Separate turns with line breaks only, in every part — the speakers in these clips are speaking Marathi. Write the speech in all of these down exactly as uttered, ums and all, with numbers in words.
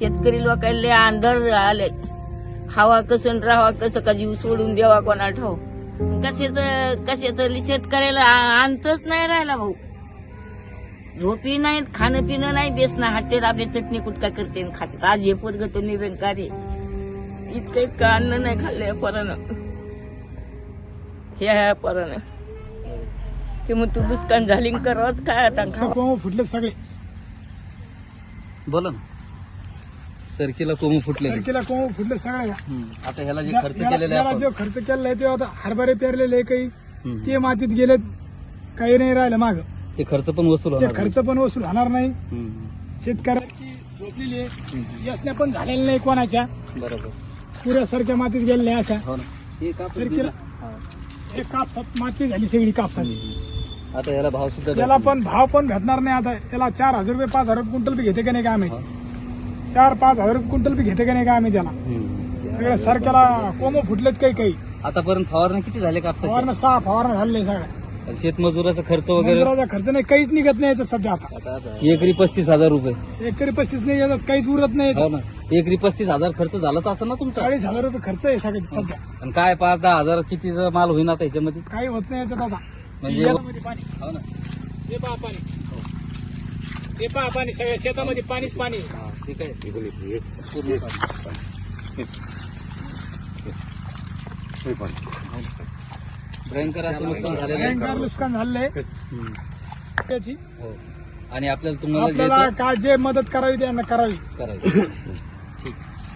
शेतकरी लोकांना आंधळ आले. खावा कसं राहावा कसं का जीव सोडून द्यावा कोणा ठाव. कशाच कशाच शेतकऱ्याला अंतच नाही राहिला भाऊ. झोपी नाहीत, खाणं पिणं नाही, बेसना हाटेल आपली चटणी कुटका करते खाते. आज हे पोरग तो निरंकार आहे. इतकं इतकं अन्न नाही खाल्लं या पोरानं, ह्या पोरानं. ते मग तू दुष्काळ झाली करावंच काय आता खावा.
फुटले सगळे.
बोला ना. सरकीला कोंब फुटले.
सरकीला कोंब फुटले सगळे.
आता ह्याला जे खर्च केलेला
याला
आहे
जो खर्च केलेला आहे ते आता हरभरे पेरलेले काही ते मातीत गेलेत, काही नाही राहिलं माग.
ते खर्च पण वसूल
ते
होणार
खर्च पण वसूल होणार नाही.
हम्म.
शेतकऱ्यांची झोपलेली आहे, यातल्या पण झालेल्या नाही कोणाच्या.
बरोबर.
पुऱ्यासारख्या मातीत गेलेल्या अशा.
हो ना. हे कापूस
सरकीला
दिला. हा.
एक कापसात माती झाली सगळी कापसाची.
आता याला भाव सुद्धा
त्याला
भेटणार
पण भाव पण भेटणार नाही. आता याला चार हजार रुपये पाच हजार रुपये क्विंटल बी घेते का नाही का आम्ही.
नाही.
चार पाच हजार रुपये क्विंटल बी घेते का नाही का आम्ही त्याला.
हम्म.
सगळ्या सरक्याला कोंब फुटलेत काही काही.
आतापर्यंत फवारणी किती झाले कापसाचे?
फवारणं सहा फवारणं झालेले सगळ्या.
शेतमजुराचा खर्च वगैरे
मजुराचा खर्च नाही, काहीच निघत नाही याच्यात सध्या. आता
आता एकरी पस्तीस हजार रुपये.
एकरी पस्तीस नाही याच्यात काहीच उरत नाही
हो
याच्यात.
ना. एकरी पस्तीस हजार खर्च झालाच असं ना तुमचा.
चाळीस हजार रुपये खर्च आहे सगळं सध्या.
आणि काय पाच दहा हजार किती माल होईन आता ह्याच्यामध्ये.
काही होत नाही याच्यात आता.
म्हणजे-
याच्यामध्ये पाणी,
हो ना.
हे पहा पाणी, हे पहा पाणी, सगळ्या शेतामध्ये पाणीच पाणी.
हा, ठीक आहे. पूर्ण भयंकर असं नुकसान झालेलं आहे.
भयंकर नुकसान झालंय
हम्म.
त्याची.
हो. आणि आपल्याला तुम्हाला जे
आपल्याला
येतं
काय जे मदत करावी त्यांना करावी.
करायचं. ठीक.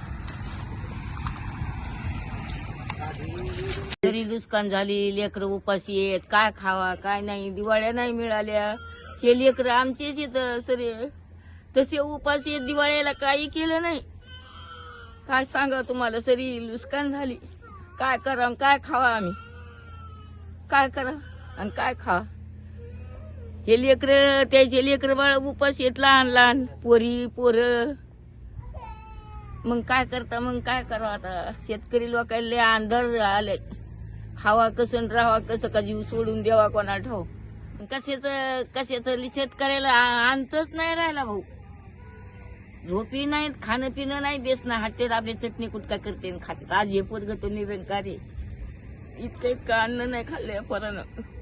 तरी नुकसान झाली, लेकरं उपाशी आहेत, काय खावा काय नाही. दिवाळ्या नाही मिळाल्या. हे लेकरं आमचेच येत सरे तसे उपाशी आहेत. दिवाळीला काही केलं नाही. काय सांगा तुम्हाला, सरी नुकसान झाली. काय करा काय खावा आम्ही, काय करा आणि काय खावा. हे लेकरं त्याचे लेकरं बाळ उपाशी आहेत, लहान लहान पोरी पोरं. मग काय करता, मग काय करा आता. शेतकरी लोकांना आंधळ आले. खावा कसं राहावा कसं का जीव सोडून द्यावा कोणा ठाव. कशाच कशाच शेतकऱ्याला अंतच नाही राहिला भाऊ. झोपी नाहीत, खाणं पिणं नाही, बेसना हाटेल आपली चटणी कुटका करते खाते. आज हे पोरग तो निरंकार आहे. इतकं इतकं अन्न नाही खाल्लं या पोरानं,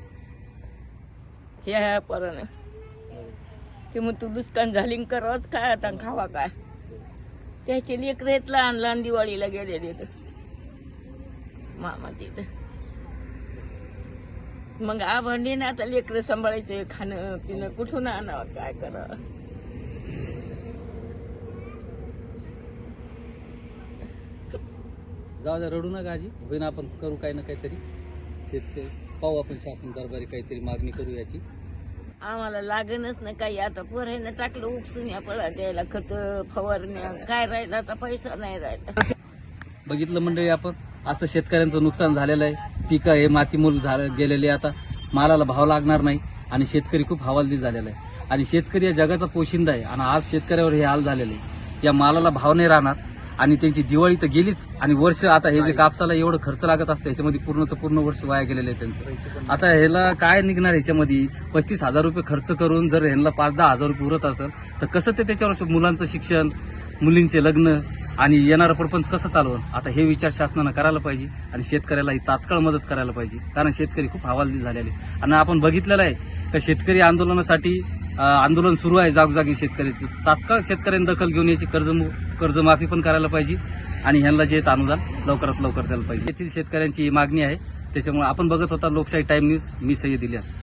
ह्या पोरानं. ते मग तू दुष्काळ झाली करावंच काय आता खावा काय. त्याचे लेकरं आहेत लहान लहान, दिवाळीला गेलेले मामा तिथं. मग आभांडी ना आता लेकरं सांभाळायचं, खाणं पिणं कुठून आणावं, काय करावं.
जाऊ द्या, रडू नका आजी. होईन, आपण करू काही ना काहीतरी. शेतकरी पाहू आपण शासन दरबारी काहीतरी मागणी करू याची.
आम्हाला लागणच नाही काही. आता पोरांना टाकलं उपसून या पळा द्यायला, खत फवारण्या काय राहिलं आता, पैसा नाही राहिला.
बघितलं मंडळी आपण, असं शेतकऱ्यांचं नुकसान झालेलं आहे. पिकं हे मातीमूल झालं गेलेले. आता मालाला भाव लागणार नाही आणि शेतकरी खूप हवालदिल झालेला आहे. आणि शेतकरी या जगाचा पोशिंदा आहे. आणि आज शेतकऱ्यावर हे हाल झालेले आहे. या मालाला भाव नाही राहणार आणि त्यांची दिवाळी तर गेलीच. आणि वर्ष आता हे जे कापसाला एवढं खर्च लागत असतं याच्यामध्ये पूर्णचं पूर्ण वर्ष वाया गेलेलं आहे त्यांचं. आता ह्याला काय निघणार ह्याच्यामध्ये. पस्तीस हजार रुपये खर्च करून जर ह्यांना पाच दहा हजार रुपये उरत असेल तर कसं ते त्याच्यावर मुलांचं शिक्षण, मुलींचे लग्न आणि येणारं प्रपंच कसं चालवं. आता हे विचार शासनानं करायला पाहिजे आणि शेतकऱ्याला ही तात्काळ मदत करायला पाहिजे. कारण शेतकरी खूप हवालदिल झालेले. आणि आपण बघितलेलं आहे का शेतकरी आंदोलनासाठी आंदोलन सुरू आहे जागोजागी शेतकऱ्याचं. तात्काळ शेतकऱ्यांनी दखल घेऊन याची कर्ज कर्जमाफी पण करायला पाहिजे आणि ह्यांना जे अनुदान लवकरात लवकर द्यायला पाहिजे. येथील शेतकऱ्यांची ही मागणी आहे. त्याच्यामुळे आपण बघत होता लोकशाही टाइम न्यूज. मी सय्यद इलियास.